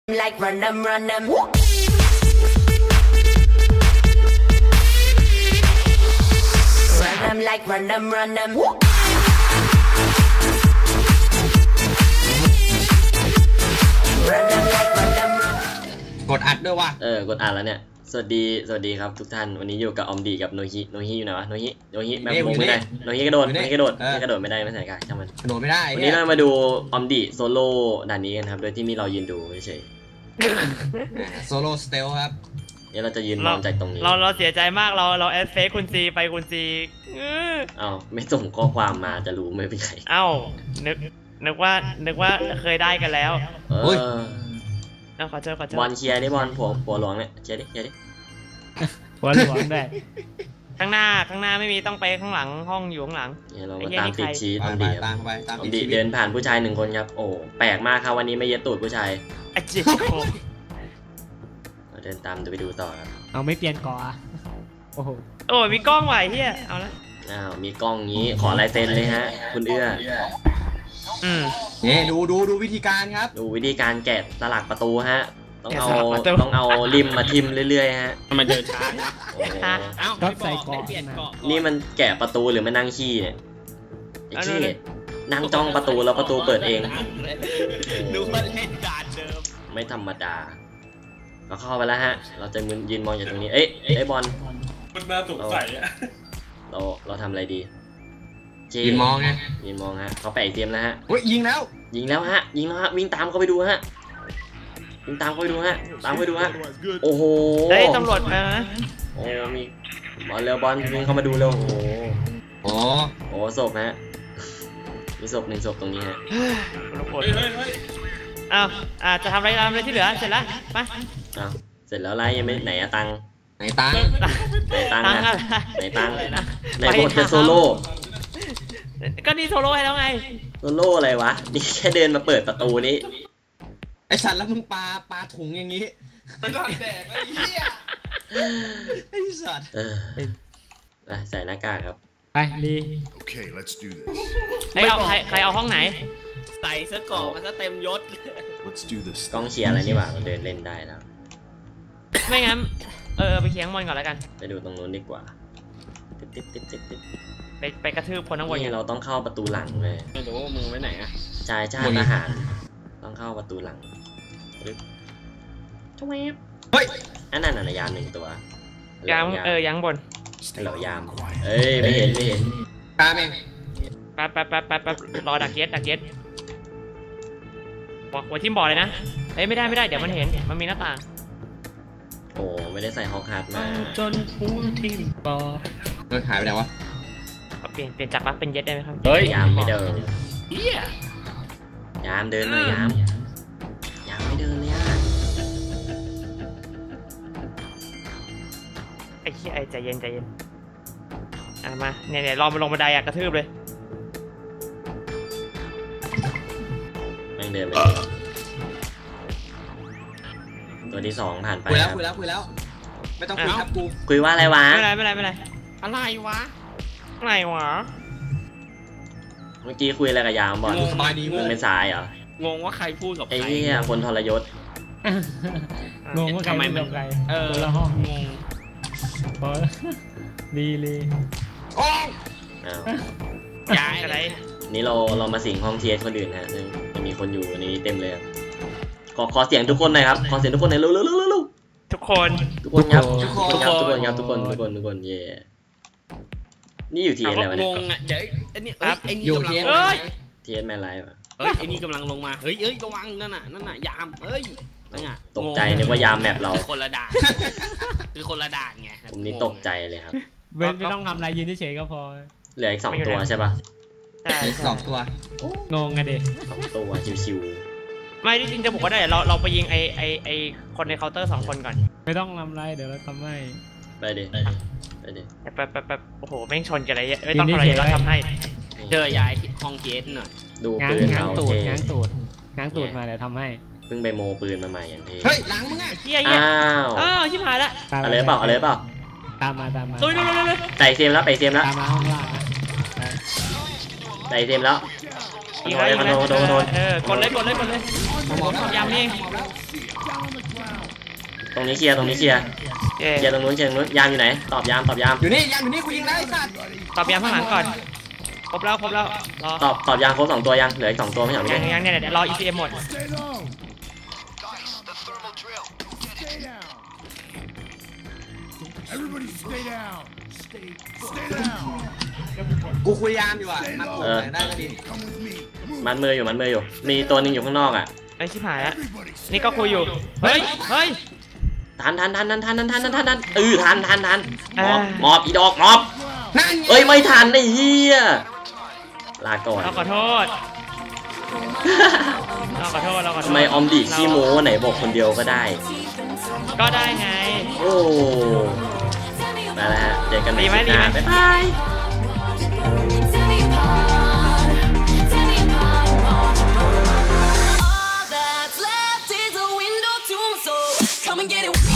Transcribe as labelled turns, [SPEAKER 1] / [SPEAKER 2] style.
[SPEAKER 1] Like run them, run them. Run them like run them, run them. Run them like run them, run.
[SPEAKER 2] กดอัดด้วยว่ะ
[SPEAKER 3] กดอัดแล้วเนี่ยสวัสดีครับทุกท่านวันนี้อยู่กับอมดีกับโนฮิอยู่ไหนวะโนฮิแบบลงไม่ได้โนฮิกระโดดไม่ได้ไม่ใส่กายช่างมัน
[SPEAKER 2] กระโดดไม่ได้
[SPEAKER 3] วันนี้เรามาดูอมดีโซโล่ด่านนี้กันครับโดยที่มีเรายืนดูเฉย
[SPEAKER 2] โซโล่สเตลครับ
[SPEAKER 3] เนี่ยเราจะยืนมองจากตรงนี้
[SPEAKER 4] เราเสียใจมากเราแอดเฟซคุณซีไปคุณซี
[SPEAKER 3] ไม่ส่งข้อความมาจะรู้ไม่เป็นไร
[SPEAKER 4] นึกว่าเคยได้กันแล้วขอเจอบ
[SPEAKER 3] อลเชียร์ดิบอลผัวหลวงเนี่ยเชียร์ดิ
[SPEAKER 4] หัวหลวงได้ข้างหน้าไม่มีต้องไปข้างหลังห้องอยู่ข้างหลัง
[SPEAKER 3] เรามาตามติดชีตอมดีเดินผ่านผู้ชาย1 คนครับโอ้แปลกมากครับวันนี้ไม่เย็ดตูดผู้ชายเราเดินตามไปดูต่อครับ
[SPEAKER 4] เอาไม่เปลี่ยนก่อโอ้มีกล้องไหวเฮียเอาละ
[SPEAKER 3] มีกล้องงี้ขอลายเซ็นเลยฮะคุณเอื้อ
[SPEAKER 2] เนี่ยดูวิธีการครับ
[SPEAKER 3] ดูวิธีการแกะสลักประตูฮะต้องเอาริมมาทิมเรื่อยๆฮะ
[SPEAKER 4] มันเดินช้า
[SPEAKER 3] ก็ใส่กล่องนี่มันแกะประตูหรือมันนั่งขี้เนี่ยไอ้ขี้นั่งจ้องประตูแล้วประตูเปิดเอง
[SPEAKER 4] ดูมันเล่นการเดิม
[SPEAKER 3] ไม่ธรรมดาเราเข้าไปแล้วฮะเราจะยืนมองอยู่ตรงนี้ไอ้บอล
[SPEAKER 5] มันน่าสงสัยอะ
[SPEAKER 3] เราทำอะไรดี
[SPEAKER 2] ยืนมองไง
[SPEAKER 3] ฮะเขาแปะเตรียมแล้วฮะ
[SPEAKER 2] ยิงแล้ว
[SPEAKER 3] ฮะวิ่งตามเขาไปดูฮะตามเขาไปดูฮะโอ้โห
[SPEAKER 4] ได้ตำรวจมา
[SPEAKER 3] โอ้มีบอลเร็วบอลวิ่งเข้ามาดูเร็วโอ้ศพฮะมีศพ1 ศพตรงนี้ฮะ
[SPEAKER 4] จะทำอะไรที่เหลือเสร็จแล้วไป
[SPEAKER 3] เสร็จแล้วไรยังไม่ไหนตัง
[SPEAKER 2] ไหนตัง
[SPEAKER 3] ไหนบทเป็นโซโล่
[SPEAKER 4] ก็นี่โซโล่ให้แล้วไง
[SPEAKER 3] โซโล่อะไรวะนี่แค่เดินมาเปิดประตูนี้
[SPEAKER 2] ไอสัตว์แล้วมึงปลาถุงอย่างนี้
[SPEAKER 5] มันก็แดกไอ้เหี้ย
[SPEAKER 2] ไอสัตว์
[SPEAKER 3] ใส่หน้ากากครับ
[SPEAKER 4] ไปดี
[SPEAKER 5] โอเค let's do this
[SPEAKER 4] ใครเอาห้องไหนใส่เสื้อเกราะมาซะเต็มยศ
[SPEAKER 5] let's do this
[SPEAKER 3] กองเชียร์อะไรนี่หว่าเดินเล่นได้แล้ว
[SPEAKER 4] ไม่งั้นไปเคียงบอลก่อนแล้วกัน
[SPEAKER 3] ไปดูตรงนู้นดีกว่า
[SPEAKER 4] ไปกระทืบคนทั้งวัน
[SPEAKER 3] เราต้องเข้าประตูหลังเลย
[SPEAKER 4] ไม่รู้มึงไว้ไหนอะ
[SPEAKER 3] ชายชาติทหารต้องเข้าประตูหลังทำไม
[SPEAKER 2] เฮ้ย
[SPEAKER 3] อันนั้นยาม1 ตัวย
[SPEAKER 4] ามบน
[SPEAKER 3] เหล่ายามไม่เห็น
[SPEAKER 2] ตามเอง
[SPEAKER 4] ไปรอดักเก็ตหัวทิ่มบอลเลยนะไม่ได้เดี๋ยวมันเห็นมันมีหน้าต่าง
[SPEAKER 3] โอ้ไม่ได้ใส่ฮอกฮาร์ดมา
[SPEAKER 4] จนหัวทิ่มบอล
[SPEAKER 2] หายไปไหนวะ
[SPEAKER 4] เปลี่ยนจากเป็นเย็ดได้ไหมครับ
[SPEAKER 3] ยามไม่เดินยามเดินเลยยามไม่เดินเลย
[SPEAKER 4] ไอ้ขี้ใจเย็นมาเนี่ยรอมาลงบันไดกระทืบเลย
[SPEAKER 3] แม่งเดินไปตัวที่2ผ่านไป
[SPEAKER 2] คุยแล้วไม่ต้องคุยครับกู
[SPEAKER 3] คุยว่าอะไรวะ
[SPEAKER 4] ไม่ไรอะไรวะ
[SPEAKER 3] เมื่อกี้คุยอะไรกับยามบอลมึงเป็นสายเหรอง
[SPEAKER 4] งว่าใครพูดกับใคร
[SPEAKER 3] ไอ้นี่คนทรยศ
[SPEAKER 4] งงว่าใครพูดกับใครละห้องงงดีเลยย้ายอะไร
[SPEAKER 3] นี่เรามาสิงห้องเทียสคนอื่นฮะซึ่งจะมีคนอยู่ในนี้เต็มเลยขอเสียงทุกคนหน่อยครับขอเสียงทุกคนหน่อยเร็ว
[SPEAKER 4] ทุกคน
[SPEAKER 3] ครับทุกคนเย่นี่อยู่ทีอะไรวะเนี่ย
[SPEAKER 4] งงอ่ะเดี๋ยวไอ้นี่
[SPEAKER 2] อยู่
[SPEAKER 4] ที
[SPEAKER 3] เอสแมนไลฟ์อ่ะ
[SPEAKER 4] ไอ้นี่กำลังลงมาระวังนั่นน่ะยาม
[SPEAKER 3] ตกใจนึกว่ายามแมปเรา
[SPEAKER 4] คนละด่านคือคนละด่านไง
[SPEAKER 3] ผมนี่ตกใจเลยครับ
[SPEAKER 4] ไม่ต้องทำอะไรยืนเฉยก็พอ
[SPEAKER 3] เหลืออีก2 ตัวใช่ป่ะ
[SPEAKER 2] 2 ตัว
[SPEAKER 4] งงไงเด็ก
[SPEAKER 3] 2 ตัวชิว
[SPEAKER 4] ๆไม่ที่จริงจะบอกว่าได้เราไปยิงไอคนในเคาน์เตอร์2 คนก่อนไม่ต้องทำอะไรเดี๋ยวเราทำให้
[SPEAKER 3] ไปดิ
[SPEAKER 4] โอ้โหแม่งชนกันอะไรไม่ต้องอะไรเราทำให้ย้ายห้องเกสหน่อย
[SPEAKER 3] ดูปืนเรา
[SPEAKER 4] ง้างตูดมาเดี๋ยวทำให้
[SPEAKER 3] เพิ่งไปโมปืนมาใหม่อย่างที่
[SPEAKER 2] เฮ้ยหลังมึงอ่ะ
[SPEAKER 4] อ้าวชิบหายละ
[SPEAKER 3] อะไรเปล่า
[SPEAKER 4] ตามมา
[SPEAKER 3] ใส่เซมแล้วไปเซมแล้ว
[SPEAKER 4] ตามมาห้องล่าง
[SPEAKER 3] ใส่เซมแล้ว
[SPEAKER 4] โดนกดเลยยามนี่
[SPEAKER 3] ตรงนี้เคลียร์ตรงนี้เคลียร์
[SPEAKER 4] เย้
[SPEAKER 3] เคลียร์ตรงนู้นเคลียร์ตรงนู้นยามอยู่ไหนตอบยามตอบยาม
[SPEAKER 2] อยู่นี่ยังอยู่นี่กูยิงได้ไอ้สัตว์
[SPEAKER 4] ตอบยามข้างหลังก่อนครบแล้วรอ
[SPEAKER 3] ตอบยามครบ2ตัวยังเหลืออีก2ตัวไม่ใช่หรอ
[SPEAKER 4] ยังเนี่ยเดี๋ยวรอ ECM หมด
[SPEAKER 5] Everybody stay down. Stay down.
[SPEAKER 2] กูคุยยามอยู่อ่ะมันโผล่ไหนได้ก็ดี
[SPEAKER 5] Come with me.
[SPEAKER 3] มันมืออยู่มีตัวหนึงอยู่ข้างนอกอ่ะ
[SPEAKER 4] ไอ้ชิบหายแล้ว
[SPEAKER 5] Everybody
[SPEAKER 4] นี่ก็คุยอยู่เฮ้ย
[SPEAKER 3] ทันทันทันหมอบอีดอกหมอบ
[SPEAKER 2] นั่นไง
[SPEAKER 3] เอ้ยไม่ทันไอ้เหี้ยลาก่อน
[SPEAKER 4] เราขอโทษ
[SPEAKER 3] ทำไมออมดีขี้โม้ไหนบอกคนเดียวก็ได้
[SPEAKER 4] ก็ได้ไง
[SPEAKER 3] โอ้มาแล้วฮะเจอกันใหม่คลิปหน้าบ๊ายบาย
[SPEAKER 1] Tear me apart, tear me apart. All that's left is a window to my soul. Come and get it.